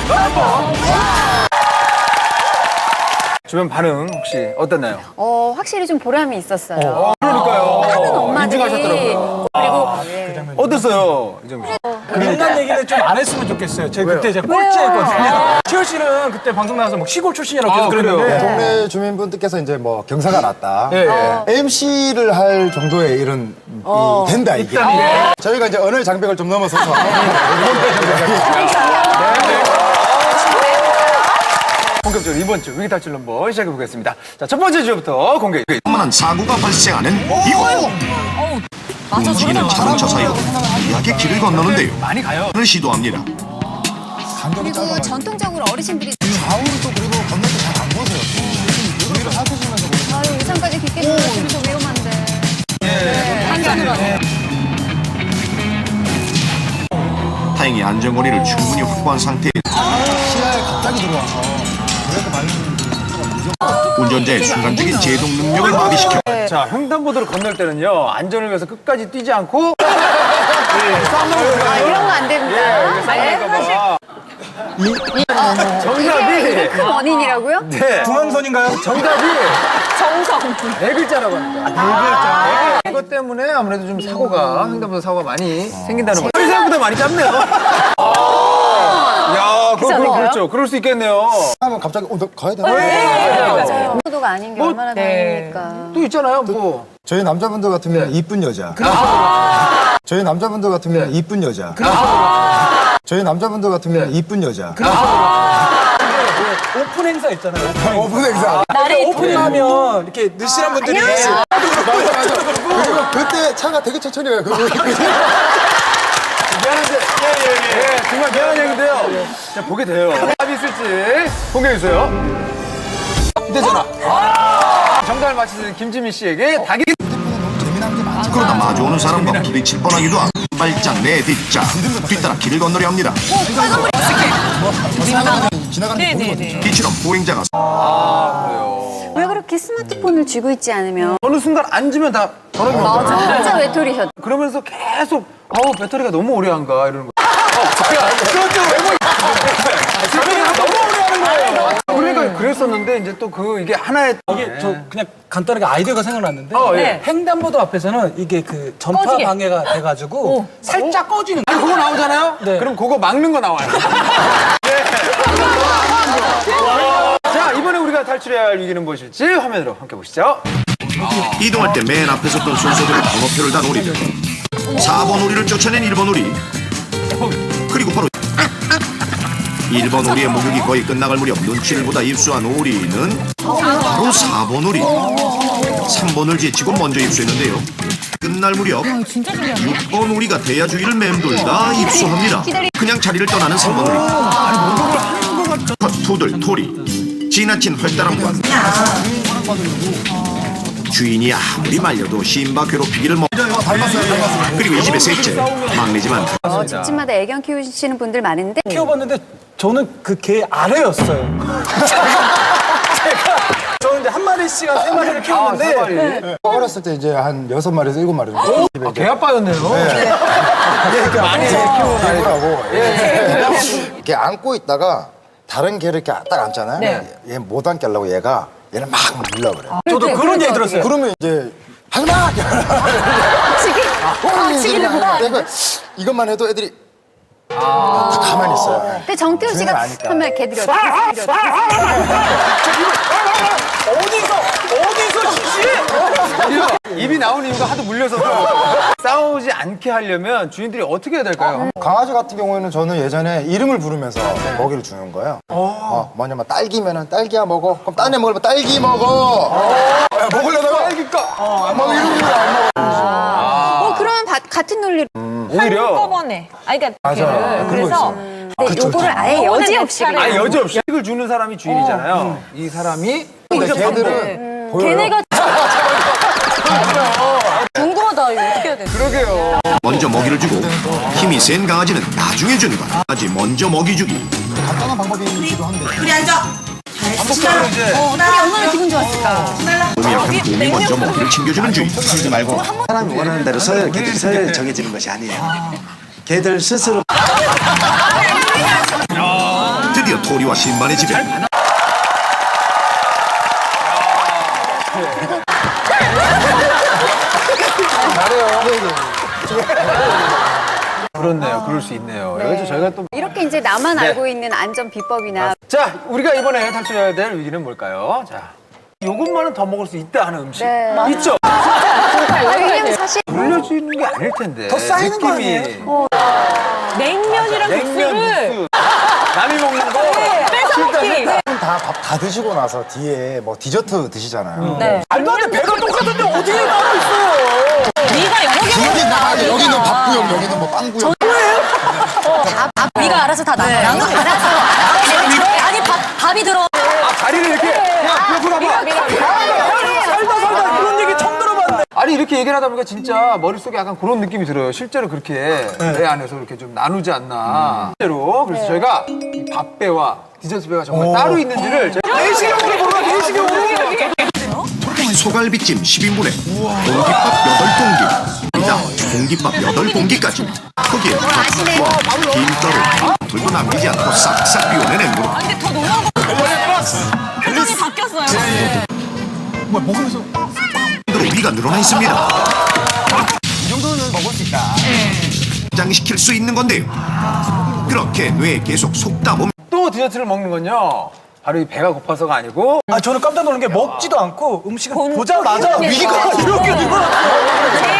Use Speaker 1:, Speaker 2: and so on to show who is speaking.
Speaker 1: 주변 반응 혹시 어땠나요?
Speaker 2: 확실히 좀 보람이 있었어요.
Speaker 1: 그러니까요.
Speaker 2: 하는 엄마들이.
Speaker 1: 인증하셨더라고요.
Speaker 2: 그리고
Speaker 1: 어땠어요? 이정민 씨?
Speaker 3: 옛날 얘기는 좀 안 했으면 좋겠어요. 제가 그때 제가 꼴찌했거든요. 치열 씨는 그때 방송 나와서 뭐 시골 출신이라고 계속 그랬는데.
Speaker 4: 동네 주민분들께서 이제 뭐 경사가 났다.
Speaker 1: 예, 예.
Speaker 4: MC를 할 정도의 이런 된다 이게. 저희가 이제 언어의 장벽을 좀 넘어서서
Speaker 1: 본격적으로 이번 주 위기탈출 넘버 시작해 보겠습니다. 자, 첫 번째 주부터 공개.
Speaker 5: 만한 사고가 발생하는 이곳. 움직이는 자동차 사이로 미하게 길을 건너는데요.
Speaker 1: 많이 가요.
Speaker 5: 을 시도합니다.
Speaker 2: 그리고 전통적으로 어르신들이
Speaker 4: 좌우로 또 그리고 건널 때 잘 안 보세요. 우리를 살피시면서
Speaker 2: 아유 우산까지 깊게 들어주면 좀 위험한데. 한편으로.
Speaker 5: 다행히 안전거리를 충분히 확보한 상태에
Speaker 4: 시야에 갑자기 들어와서 그래도 말리는
Speaker 5: 운전자의 순간적인 제동 능력을 마비시켜
Speaker 1: 자, 횡단보도를 건널 때는요, 안전을 위해서 끝까지 뛰지 않고
Speaker 2: 이런 거 안 됩니다.
Speaker 1: 싸움할까봐. 정답이
Speaker 2: 큰 원인이라고요?
Speaker 1: 네.
Speaker 3: 중앙선인가요?
Speaker 1: 정답이 네 글자라고 합니다. 네 글자. 이것 때문에 아무래도 좀 사고가 횡단보도 사고가 많이 생긴다는 거죠. 생각보다 많이 짧네요. 야, 그렇죠. 그럴 수 있겠네요.
Speaker 4: 하면 갑자기 너 가야 되나?
Speaker 2: 맞아요. 도가 아닌 게 얼마나 다행입니까.
Speaker 1: 또 있잖아요, 뭐.
Speaker 4: 저희 남자분들 같으면 이쁜 여자. 저희 남자분들 같으면 이쁜 여자. 저희 남자분들 같으면 이쁜 여자.
Speaker 3: 오픈 행사 있잖아요.
Speaker 4: 오픈 행사.
Speaker 3: 오픈하면 이렇게 느실한 분들이
Speaker 4: 맞아. 그리고 그때 차가 되게 천천히 가요.
Speaker 1: 미안한데, 예, 정말 미안한 얘기인데요. 자, 보게 돼요. 답이 있을지 공개해주세요. 휴대전화. 정답을 맞히는 김지민 씨에게 닭이.
Speaker 5: 그러다 마주오는 사람과 부딪힐 뻔하기도 하고 발짝 내 뒷짝 뒤따라 길을 건너려 합니다.
Speaker 4: 지나가는 게 보이거든요.
Speaker 5: 이처럼 보행자가
Speaker 2: 왜 그렇게 스마트폰을 쥐고 있지 않으면
Speaker 1: 어느 순간 앉으면 다 전화기 오잖아요.
Speaker 2: 진짜 외톨이셨.
Speaker 1: 그러면서 계속 배터리가 너무 오래 한가 이러는 거예요. 그것도 배터리가 너무 오래 하는 거예요. 그러니까 그랬었는데 이제 또 이게 하나의
Speaker 3: 이게 저 그냥 간단하게 아이디어가 생각났는데
Speaker 1: 예.
Speaker 3: 횡단보도 앞에서 이게 그 전파 방해가 돼가지고 살짝 꺼지는
Speaker 1: 아니 그거 나오잖아요?
Speaker 3: 네.
Speaker 1: 그럼 그거 막는 거 나와요. 네. 자, 이번에 우리가 탈출해야 할 위기는 무엇일지 화면으로 함께 보시죠.
Speaker 5: 이동할 때 맨 앞에 섰던 순서대로 번호표를 단 오리들 4번 오리를 쫓아낸 1번 오리 그리고 바로 1번 오리의 목욕이 거의 끝나갈 무렵 눈치를 보다 입수한 오리는 바로 4번 오리 3번을 제치고 먼저 입수했는데요 끝날 무렵 6번 오리가 대야 주위를 맴돌다 입수합니다 그냥 자리를 떠나는 3번 오리 투들 토리 지나친 활달함과 주인이 아무리 말려도 신바 괴롭히기를 그리고 이 집의 셋째 막내지만
Speaker 2: 집집마다 애견 키우시는 분들 많은데
Speaker 3: 키워봤는데 저는 그 개 아래였어요. 저는 이제 한 마리씩 한 3마리를 키웠는데
Speaker 4: 어렸을 때 이제 한 6마리에서 7마리 정도. 집에 이제
Speaker 1: 개아빠였네요. 많이
Speaker 4: 개구라고. 이렇게 안고 있다가 다른 개를 이렇게 딱 안잖아요. 얘 못 안게 하려고 얘는 막 물려버려요.
Speaker 3: 저도 그런 얘기 들었어요.
Speaker 4: 그러면 이제 하지마! 내가 이것만 해도 애들이 다 가만히 있어요.
Speaker 2: 근데 정태호 씨가
Speaker 4: 주인을 아니까.
Speaker 2: 하면 개들이 어디서
Speaker 3: 어디서
Speaker 1: 입이 나온 이유가 하도 물려서 싸우지 않게 하려면 주인들이 어떻게 해야 될까요?
Speaker 4: 강아지 같은 경우에는 저는 예전에 이름을 부르면서 먹이를 주는 거예요. 뭐냐면 딸기면은 딸기야 먹어. 그럼 딴 애 먹으면 딸기 먹어. 먹으려다가 딸기까. 막 이러면 안 먹어.
Speaker 2: 그러면 같은 논리로
Speaker 1: 오히려
Speaker 6: 한꺼번에. 그러니까
Speaker 4: 맞아.
Speaker 6: 그래서
Speaker 2: 근데 요거를 아예 여지 없이
Speaker 1: 아니 여지 없이 식을 주는 사람이 주인이잖아요. 이 사람이
Speaker 4: 근데 걔들은 보여요.
Speaker 6: 걔네가 궁금하다. 이거 어떻게 해야 돼?
Speaker 1: 그러게요.
Speaker 5: 먼저 먹이를 주고 힘이 센 강아지는 나중에 주는 것 아직 먼저 먹이 주기
Speaker 4: 간단한 방법이기도 한데.
Speaker 7: 우리 앉아.
Speaker 1: 반복적으로 이제
Speaker 2: 얼마나 기분 좋았을까.
Speaker 5: 몸이 약한 곰이 먼저 먹이를 챙겨주는 주인
Speaker 8: 하지 말고 사람이 원하는 대로 걔들이 서열 정해지는 것이 아니에요. 걔들 스스로
Speaker 5: 드디어 드디어 토리와 신만의 집에
Speaker 1: 그렇네요. 그럴 수 있네요. 그래서 저희가 또.
Speaker 2: 이렇게 이제 나만 알고 있는 안전 비법이나
Speaker 1: 자, 우리가 이번에 탈출해야 될 위기는 뭘까요? 자, 요것만은 더 먹을 수 있다 하는 음식. 있죠?
Speaker 2: 왜냐면 사실
Speaker 1: 돌려주는 게 아닐 텐데.
Speaker 3: 더 쌓이는 거
Speaker 1: 느낌이.
Speaker 3: 아니에요?
Speaker 6: 냉면이랑
Speaker 1: 냉면
Speaker 6: 국수를
Speaker 1: 국수. 남이 먹는 거.
Speaker 6: 뺏어먹기.
Speaker 4: 다 밥 다 드시고 나서 뒤에 뭐 디저트 드시잖아요.
Speaker 6: 네.
Speaker 3: 말도 안 돼. 배가 똑같은데 어디에 나와 있어요?
Speaker 6: 네가 여러 개
Speaker 4: 여기 나가게 여기는 밥구역, 여기는 뭐 빵구역.
Speaker 6: 네가 알아서 다 나는 알았어. 아니 밥이 들어.
Speaker 1: 다리를 이렇게. 야, 그거 봐봐.
Speaker 3: 살다 이런 얘기 처음 들어봤네.
Speaker 1: 아니, 이렇게 얘기를 하다 보니까 진짜 머릿속에 약간 그런 느낌이 들어요. 실제로 그렇게 배 안에서 이렇게 좀 나누지 않나. 실제로. 그래서 저희가 이 밥배와 디저트 배가 정말 따로 있는지를 저희가
Speaker 3: 내시경으로 몰라, 내시경으로.
Speaker 5: 소갈비찜 10인분에 공깃밥 8공기 아니다 공깃밥 8공기까지 거기에 밥과 김가루 둘도 남기지 않고 싹싹 비워내는 물어
Speaker 6: 근데 더 놀라운 거 표정이 바뀌었어요.
Speaker 3: 뭐야, 먹으면서.
Speaker 5: 으로 위가 늘어나 있습니다
Speaker 1: 이 정도는 먹을 수 있다.
Speaker 5: 장시킬 수 있는 건데요 그렇게 뇌에 계속 속다 보면
Speaker 1: 또 디저트를 먹는 건요. 바로 이 배가 고파서가 아니고
Speaker 3: 아, 저는 깜짝 놀란 게 먹지도 않고 음식을 보자마자 위가 이렇게 되고.